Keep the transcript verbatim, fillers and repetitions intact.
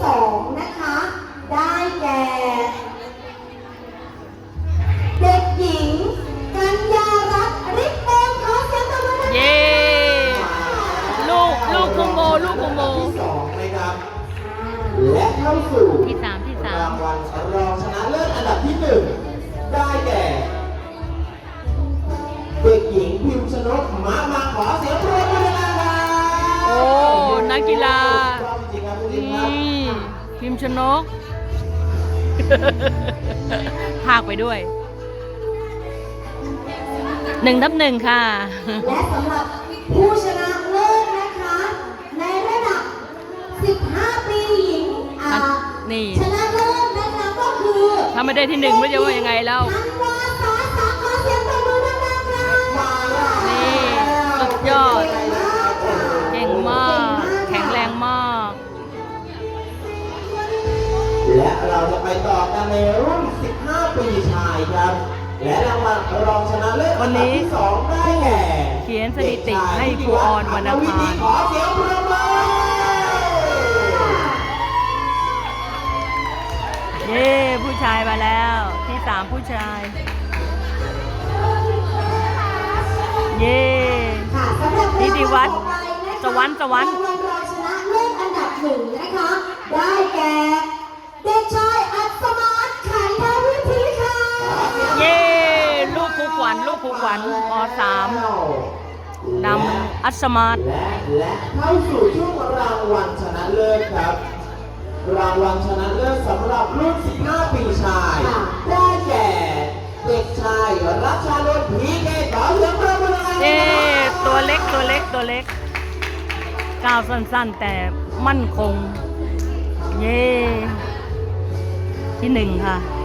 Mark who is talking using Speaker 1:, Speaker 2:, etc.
Speaker 1: สองนะคะได้แก่เด็กหญิงกัญญารัตน์ฤทธิ์เองขอเสียงปรบมือ
Speaker 2: เย้ลูกลูกคุโมลูกคุโม
Speaker 3: ที่สองนะครับและเข้าสู่
Speaker 2: ที่สามที่สาม
Speaker 3: รางวัลรองชนะเลิศอันดับที่หนึ่งได้แก่เด็กหญิงพิมพ์ชนกมามาขอเสียงปรบมือดังๆ
Speaker 2: โอ้นักกีฬา
Speaker 3: จริงๆครับจริ
Speaker 2: นี
Speaker 3: งๆครับ
Speaker 2: ่พิมพ์ชนก พากไปด้วยหนึ่งทับหนึ่งค่ะ
Speaker 1: และสำหรับผู้ชนะเลิศนะคะในระดับ สิบห้า ปีหญิงอ่า
Speaker 2: นี่
Speaker 1: ชนะเลิศนะคะก็คือ
Speaker 2: ถ้าไม่ได้ที่หนึ่งไม่รู้จะว่ายังไงแล้ว
Speaker 1: ธันวาสาสาขอเสียงปรบมือดังๆค่ะ
Speaker 2: นี่สุดยอด เก่งมาก แข็งแรงมาก
Speaker 3: และเราจะไปต่อกันในรุ่น สิบห้า ปีชายครับ และรางวัลรองชนะเลิศอันดับที่สองได้แก่
Speaker 2: เขียนสถิติให้ครูออนวรรณภา
Speaker 3: ขอเสียงปรบมือ
Speaker 2: เย้ผู้ชายมาแล้วที่สามผู้ชาย เย้
Speaker 1: ค่ะสำหรับ
Speaker 2: นิติวัฒน์
Speaker 1: รางวัลต่อไปนะคะ
Speaker 2: สวรรค์สวรรค์
Speaker 1: างวัลรองชนะเลิศอันดับหนึ่งนะคะ ได้แก่เด็กชายอัศมาศขันธวิธีค่ะ
Speaker 2: เย้ลูกครูขวัญลูกครูขวัญปสามนำอัศมาศ
Speaker 3: และและเข้าสู่ช่วงรางวัลชนะเลิศครับ รางวัลชนะเลิศสำหรับรุ่น สิบห้า ปีชาย ได้แก่เด็กชายรัชานนท์พีเกขอเสียงปรบมือดังๆ
Speaker 2: เย้ตัวเล็กตัวเล็กตัวเล็กก้าวสั้นๆแต่มั่นคง เย้ที่หนึ่งค่ะ